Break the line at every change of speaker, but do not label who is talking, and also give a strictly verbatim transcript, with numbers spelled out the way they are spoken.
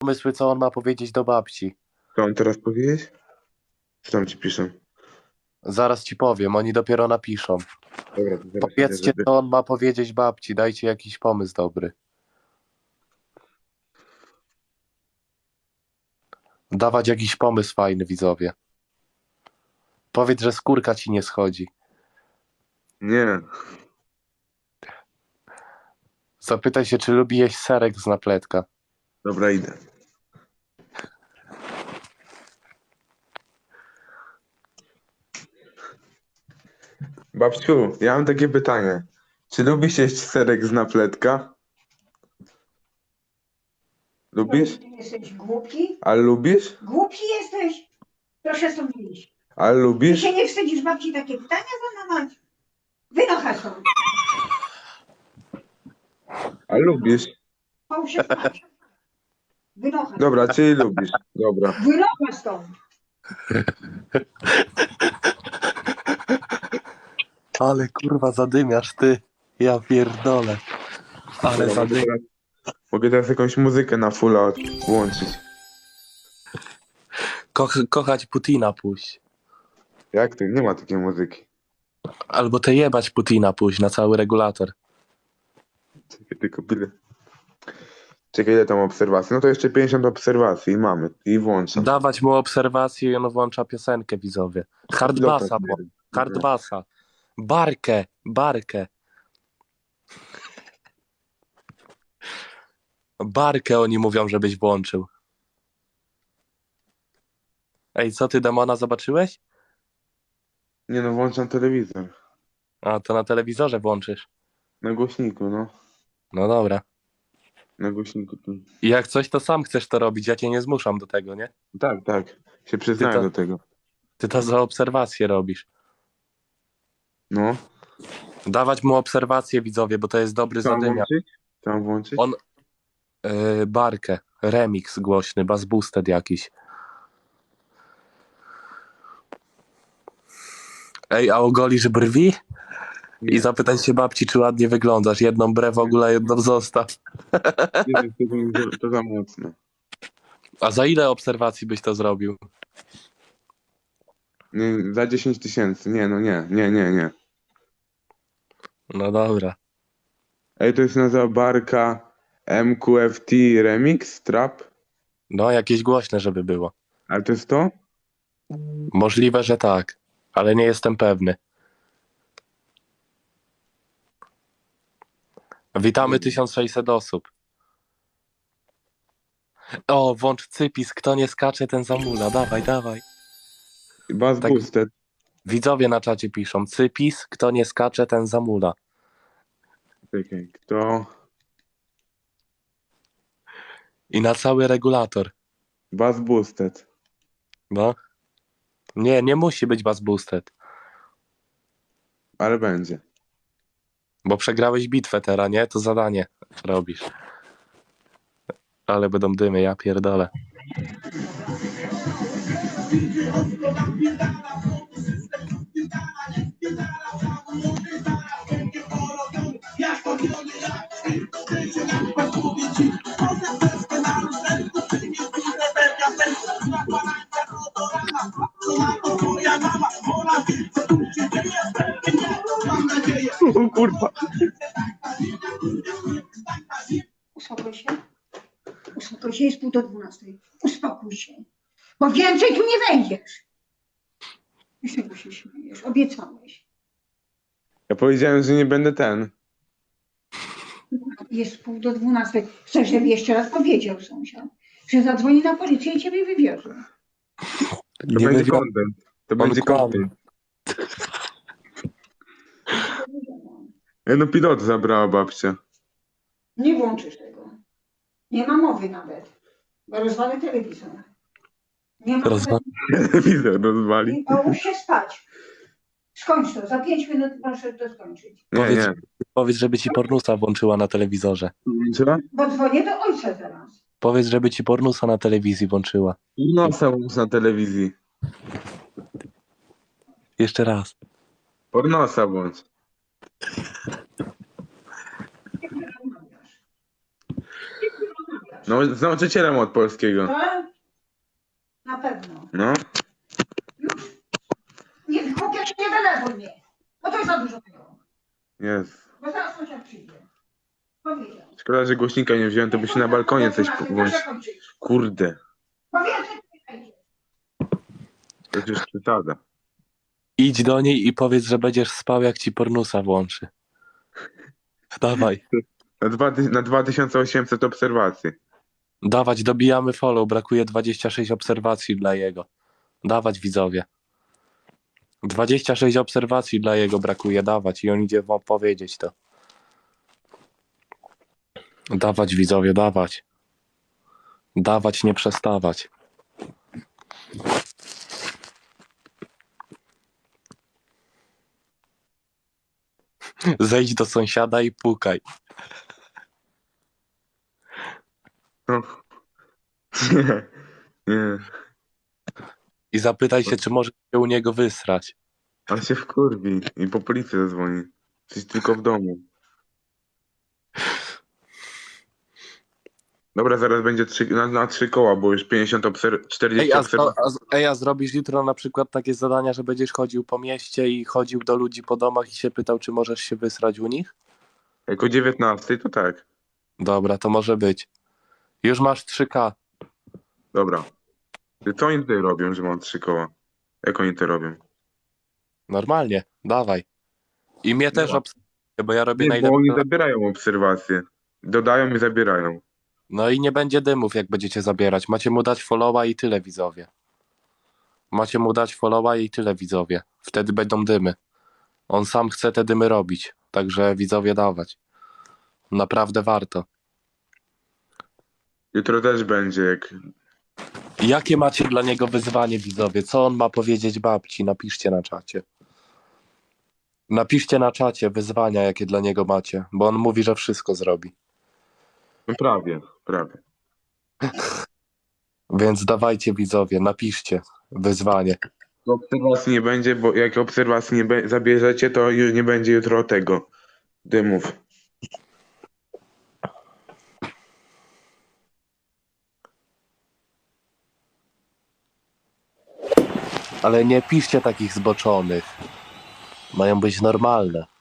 pomysły, co on ma powiedzieć do babci.
Co on teraz powiedzieć? Co tam ci piszą?
Zaraz ci powiem, oni dopiero napiszą.
Dobra, to zaraz idę,
Powiedzcie,
żeby...
co on ma powiedzieć babci, dajcie jakiś pomysł dobry. Dawać jakiś pomysł fajny, widzowie. Powiedz, że skórka ci nie schodzi.
Nie.
Zapytaj się, czy lubi jeść serek z napletka.
Dobra, idę. Babciu, ja mam takie pytanie. Czy lubisz jeść serek z napletka? Lubisz?
Ty jesteś głupi?
Ale lubisz?
Głupi jesteś? Proszę stąd wyjść.
Ale
Ty
lubisz?
się nie wstydzisz babci takie pytania zadawać? Wynocha stąd.
Ale lubisz?
Połóż się spać. Wynocha.
Dobra, czyli lubisz. Dobra.
Wynocha stąd.
Ale kurwa zadymiasz ty. Ja pierdolę. Ale
Dobra, mogę,
zadymiasz.
teraz, mogę teraz jakąś muzykę na fulla od- włączyć.
Ko kochać Putina puść.
Jak to? Nie ma takiej muzyki.
Albo te jebać Putina puść na cały regulator.
Czekaj, tylko ile... Czekaj, ile tam obserwacji? No to jeszcze pięćdziesiąt obserwacji i mamy. I włączam.
Dawać mu obserwację i on włącza piosenkę, widzowie. Hardbassa, bo. Hardbassa. Barkę, barkę. Barkę oni mówią, żebyś włączył. Ej, co ty, demona, zobaczyłeś?
Nie no, włączam telewizor.
A, to na telewizorze włączysz.
Na głośniku, no.
No dobra.
Na głośniku. tu.
I jak coś, to sam chcesz to robić, ja cię nie zmuszam do tego, nie?
Tak, tak. Się przyznaję
Ty to-
do tego.
Ty to za obserwację robisz.
No.
Dawać mu obserwację, widzowie, bo to jest dobry
Co mam
zadymiar.
włączyć? Co mam włączyć?
On- Yy, barkę, remix głośny, bass boosted jakiś. Ej, a ogolisz brwi? I
Nie.
zapytaj się babci, czy ładnie wyglądasz. Jedną brew w ogóle, jedną zostaw.
Nie, to, to, to za mocno.
A za ile obserwacji byś to zrobił?
Nie, za dziesięć tysięcy. Nie, no nie, nie, nie, nie.
No dobra.
Ej, to jest nazywa Barka M Q F T Remix Trap?
No, jakieś głośne, żeby było.
Ale to jest to?
Możliwe, że tak, ale nie jestem pewny. Witamy tysiąc sześćset osób. O, włącz cypis, kto nie skacze, ten zamula. Dawaj, dawaj.
Bass
Tak.
Boosted.
Widzowie na czacie piszą, cypis, kto nie skacze, ten zamula.
Czekaj, kto?
I na cały regulator.
Bass Boosted.
No. Nie, nie musi być bass boosted,
Ale będzie.
bo przegrałeś bitwę teraz, nie? To zadanie robisz. Ale będą dymy, ja pierdolę.
O kurwa.
Uspokój się. Uspokój się, jest pół do dwunastej. Uspokój się. Bo więcej tu nie wejdziesz. I z czego się śmiejesz? Obiecałeś.
Ja powiedziałem, że nie będę ten.
Jest pół do dwunastej. Chcesz, żeby jeszcze raz powiedział sąsiad, że zadzwoni na policję i ciebie wywiezie.
To
Nie
będzie
wywiad-
content. To
On
będzie
kłamie.
content. Ja no pilot zabrała babcia.
Nie włączysz tego. Nie ma mowy nawet. Bo rozwalę telewizor. Nie ma
Rozwa-
mowy.
Telewizor rozwali.
I połóż się spać. Skończ to. Za pięć minut proszę to skończyć.
Nie,
Powiedz,
nie.
powiedz, żeby ci pornusa włączyła na telewizorze.
Co?
Bo dzwonię do ojca teraz.
Powiedz, żeby ci pornusa na telewizji włączyła.
Pornosa włącz na telewizji.
Jeszcze raz.
Pornosa włącz.
Ty mnie rozmawiasz. Ty mnie rozmawiasz.
No, z nauczycielem od polskiego.
Tak? Na pewno.
No.
Już. Nie, chłopie, się nie denerwuj mnie. Bo to jest za dużo tego.
Jest.
Bo zaraz sąsiad przyjdzie. Powiedział.
Szkoda, że głośnika nie wziąłem, to by się na balkonie coś włączyć. Kurde.
Bo więcej tu nie wejdziesz.
To już przesada.
Idź do niej i powiedz, że będziesz spał, jak ci pornusa włączy. Dawaj.
Na, dwa, ty- na dwa tysiące osiemset obserwacji.
Dawać, dobijamy follow. Brakuje dwadzieścia sześć obserwacji dla jego. Dawać, widzowie. dwadzieścia sześć obserwacji dla jego brakuje. Dawać i on idzie wam powiedzieć to. Dawać, widzowie, dawać. Dawać, nie przestawać. Zejdź do sąsiada i pukaj.
No. Nie. Nie.
I zapytaj się, czy może się u niego wysrać.
On się wkurwi i po policję zadzwoni. Jesteś tylko w domu. Dobra, zaraz będzie trzy, na, na trzy koła, bo już pięćdziesiąt obser- czterdzieści
Ej a,
obserwacji.
a, ej, a zrobisz jutro na przykład takie zadania, że będziesz chodził po mieście i chodził do ludzi po domach i się pytał, czy możesz się wysrać u nich?
Jak o dziewiętnastej, to tak.
Dobra, to może być. Już masz trzy ka.
Dobra. Ty, co oni tutaj robią, że mam trzy koła? Jak oni to robią?
Normalnie, dawaj. I mnie też
Dobra.
obserwuj, bo ja robię
Nie, bo
najlepsze.
oni zabierają obserwacje. Dodają i zabierają.
No i nie będzie dymów, jak będziecie zabierać. Macie mu dać followa i tyle, widzowie. Macie mu dać followa i tyle, widzowie. Wtedy będą dymy. On sam chce te dymy robić. Także widzowie dawać. Naprawdę warto.
Jutro też będzie, jak...
Jakie macie dla niego wyzwanie, widzowie? Co on ma powiedzieć babci? Napiszcie na czacie. Napiszcie na czacie wyzwania, jakie dla niego macie, bo on mówi, że wszystko zrobi.
No prawie, prawie.
Więc dawajcie, widzowie, napiszcie wyzwanie.
Obserwacji nie będzie, bo jak obserwacji nie be- zabierzecie, to już nie będzie jutro tego dymów.
Ale nie piszcie takich zboczonych. Mają być normalne.